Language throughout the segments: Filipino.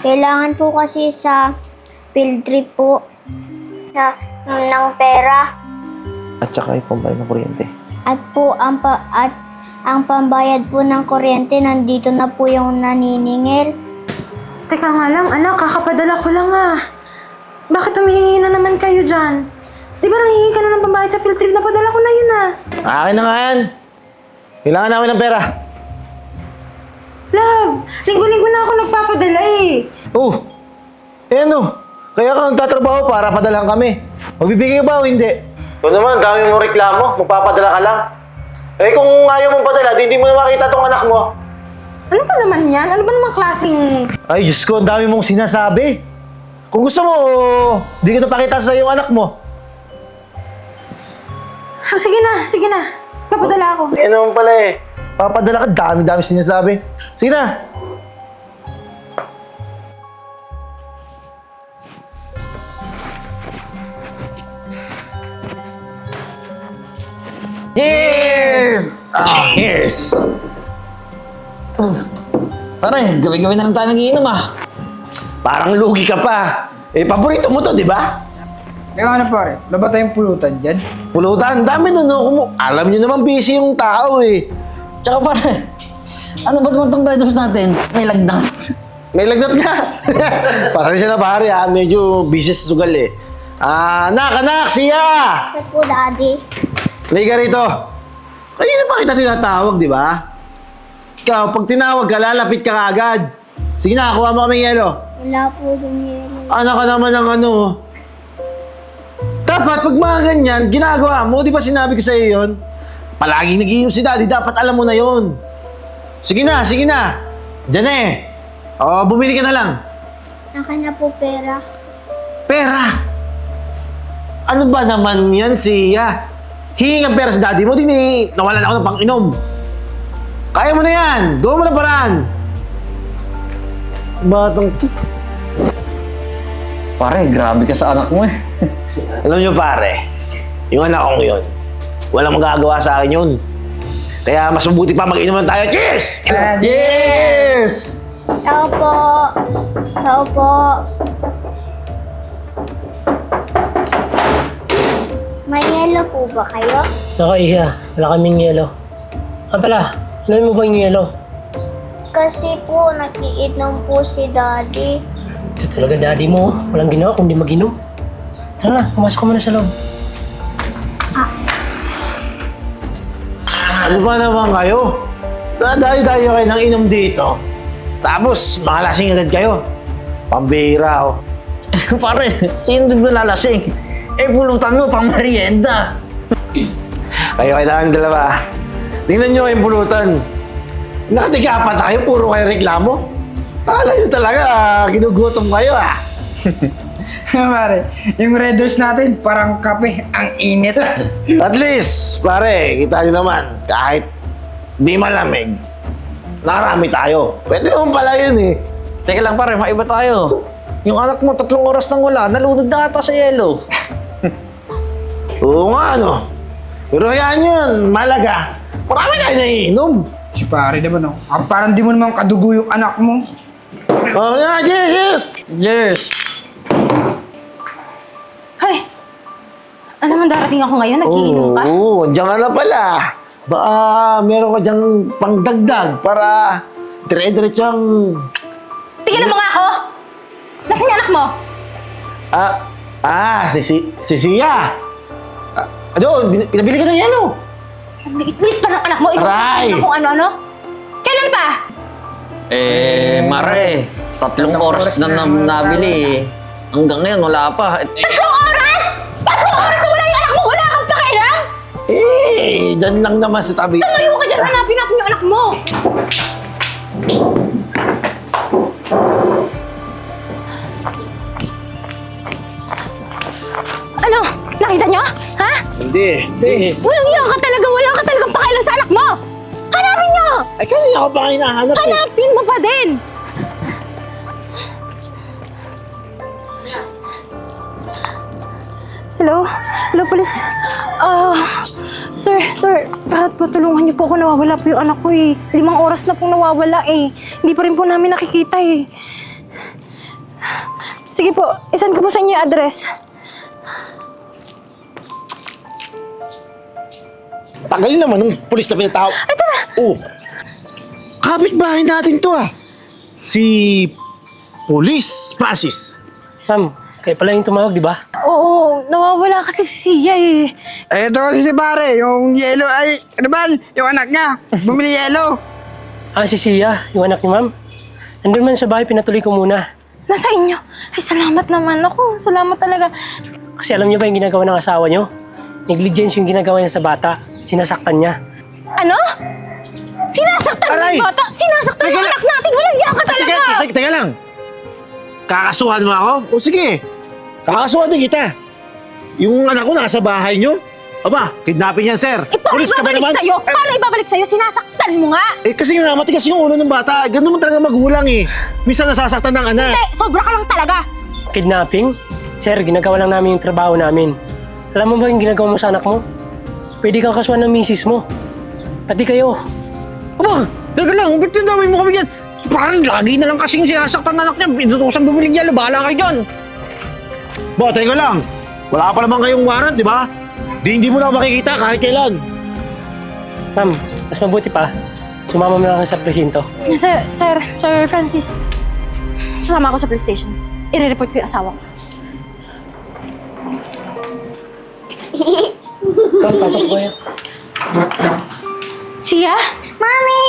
Kailangan po kasi sa field trip po ng pera. At saka yung pambayad ng kuryente. At ang pambayad po ng kuryente, nandito na po yung naniningil. Teka nga lang, anak, kakapadala ko lang Bakit humihingi na naman kayo dyan? Di ba nanghihingi ka na ng pambayad sa field trip? Napadala ko na yun Akin na nga yan. Kailangan namin ng pera. Love, linggo-linggo na ako nagpapadala Oh, ano? Kaya ka nagtatrabaho para padalahan kami. Magbibigay ba o hindi? Ito naman, dami mong reklamo. Magpapadala ka lang. Eh kung ayaw mong padala, hindi mo na makita tong anak mo. Ano ba naman yan? Ano ba naman klaseng... Ay, Diyos ko, ang dami mong sinasabi. Kung gusto mo, di ko na pakita sa yung anak mo. Sige na. Papadala ako. Eh naman pala eh. Papadala ka, dami-dami sinasabi. Sige na. Cheers! Cheers! Pare, gabi-gabi na lang tayo nagiinom Parang lugi ka pa. Eh, paborito mo to, di ba? Kaya ano pare, wala ba tayong pulutan dyan? Pulutan, dami nun. No? Alam nyo naman, busy yung tao eh. Tsaka pare, ano ba naman tong Red Horse natin? May lagnat. May lagnat nga. Parang siya na pare ha, medyo busy sa sugal eh. Anak, siya! Bakit po, Daddy? Liga rito. Kanina pa kita tinatawag, di ba? Ikaw, pag tinawag ka, lalapit ka agad. Sige na, kuha mo kaming yelo. Wala po dun yelo. Anak ka naman ng ano. Dapat, pag mga ganyan, ginagawa mo, di ba sinabi ko sa'yo yun? Palaging nag-iinom si Daddy, dapat alam mo na yun. Sige na. Diyan eh. O, bumili ka na lang. Akin na po pera. Pera! Ano ba naman yan, siya? Hingi ang pera sa daddy mo, nawalan ako ng pang-inom. Kaya mo na yan! Gawa mo na paraan! Batang to. Pare, grabe ka sa anak mo Alam nyo pare, yung anak kong yun, walang magagawa sa akin yun. Kaya mas mabuti pa mag-inom lang tayo. Cheers! Cheers! Tao po. May yelo po ba kayo? Nako, Iha. Wala kaming yelo. Pala, alam mo ba yung yelo? Kasi po, nakiinom po si Daddy. Ito talaga daddy mo. Walang ginawa kundi mag-inom. Tara na, pumasok ka muna sa loob. Ano ba naman kayo? Dahil-dahil kayo ng inom dito. Tapos, mga lasing agad kayo. Pambihira, oh. Pare, sino din ba lalasing? Pulutan mo pang merienda. Kayo kailangan dalawa. Tingnan nyo yung pulutan. Nakatiga pa tayo, puro kayo reklamo. Akala nyo talaga, ginugutom kayo Pare, yung Red Horse natin parang kape, ang init. At least, pare, kita nyo naman, kahit di malamig, nakarami tayo. Pwede naman pala yun eh. Teka lang pare, maiba tayo. Yung anak mo, 3 oras nang wala, nalunod na ata sa yelo. Oo nga, no? Pero hayaan yun, malaga. Marami na naiinom. Si pare naman parang di mo naman kadugo yung anak mo. Oh, yeah, cheers! Cheers! Ay! Ano naman darating ako ngayon? Nagiinom ka? Oo, andiyan ka na pala. Baka meron ka dyang pangdagdag para dire-diretsang... Tingnan mo nga ako! Nasaan yung anak mo? Si Sia. Doon, pinabili ko ng yelo. Lit pa ng anak mo. Ikaw Aray! kung ano-ano. Kailan pa? Mare, 3 oras na nabili. Hanggang ngayon, wala pa. 3 oras? 3 oras na wala yung anak mo? Wala kang pakialam? Dyan lang naman sa tabi. Tumayo ka dyan, hanapin natin yung anak mo. Ano? Nakita nyo? Ha? Hindi. Walang iya ka talaga. Wala ka talagang pakialam sa anak mo. Hanapin nyo! Ay, kanina ako pa kayo nahanap eh. Hanapin mo pa din! Hello? Hello, police. Sir, patulungan niyo po ako. Nawawala po yung anak ko eh. 5 oras na pong nawawala eh. Hindi pa rin po namin nakikita eh. Sige po, isan ko po sa inyo yung address. Tagal naman ng pulis na pinatawag. Ay, tara! Oh, kapitbahay natin to ah. Si Police Francis. Ma'am, kayo pala yung tumawag, di ba? Oo, nawawala kasi si Sia eh. Ito kasi si pare, yung yelo ay, ano ba, yung anak niya, bumili yelo. Ah, si Sia, yung anak ni ma'am. Nandun man sa bahay, pinatuloy ko muna. Nasa inyo. Ay, salamat naman ako. Salamat talaga. Kasi alam niyo ba yung ginagawa ng asawa niyo? Negligence yung ginagawa niya sa bata. Sinasaktan niya. Ano? Sinasaktan mo Aray! yung bata? Sinasaktan yung anak natin? Walang iya ka talaga! Teka lang. Kakasuhan mo ako? O sige, kakasuhan din kita. Yung anak ko nasa bahay nyo. Aba, kidnapin yan, sir. Paano Pulis ka ba ibabalik naman? sa'yo? Paano ibabalik sa'yo? Sinasaktan mo nga! Kasi nga, matigas yung ulo ng bata. Ganun naman talaga magulang eh. Minsan nasasaktan ng anak. Hindi, sobra ka lang talaga! Kidnapping? Sir, ginagawa lang namin yung trabaho namin. Alam mo ba yung ginagawa mo sa anak mo? Pwede kang kasuhan ng misis mo. Pati kayo. Aba, teka lang, ba't nandamay mo kami yan? Parang lagi na lang kasing sinasaktan ng anak niya. Pinutusan bumiling yelo, bahala kayo dyan. Bo, teka lang. Wala pa naman kayong warrant, di ba? Hindi mo na makikita kahit kailan. Ma'am, mas mabuti pa, sumama mo na lang sa presinto. Sir Francis, sasama ako sa police station. I-report ko yung asawa ko. Ma'am, pasok ko yan. Sia? Mami!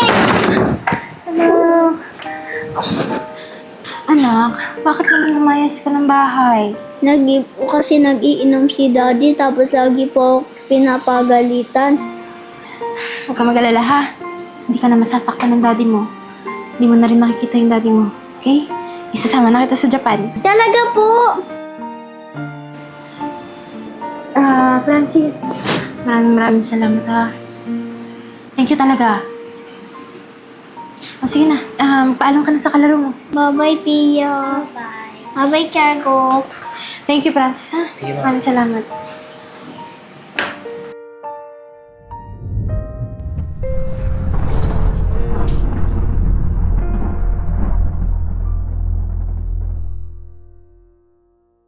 Anak, bakit naman lumayas ka ng bahay? Kasi nag-iinom si Daddy tapos lagi po ako pinapagalitan. Huwag ka mag-alala ha. Hindi ka na masasaktan ng daddy mo. Hindi mo na rin makikita yung daddy mo. Okay? Isasama na kita sa Japan. Talaga po! Francis, maraming salamat ha. Thank you talaga. O sige na, paalam ka na sa kalaro mo. Bye-bye, Pia. Bye-bye, Chargo. Thank you, Francis ha. Maraming salamat.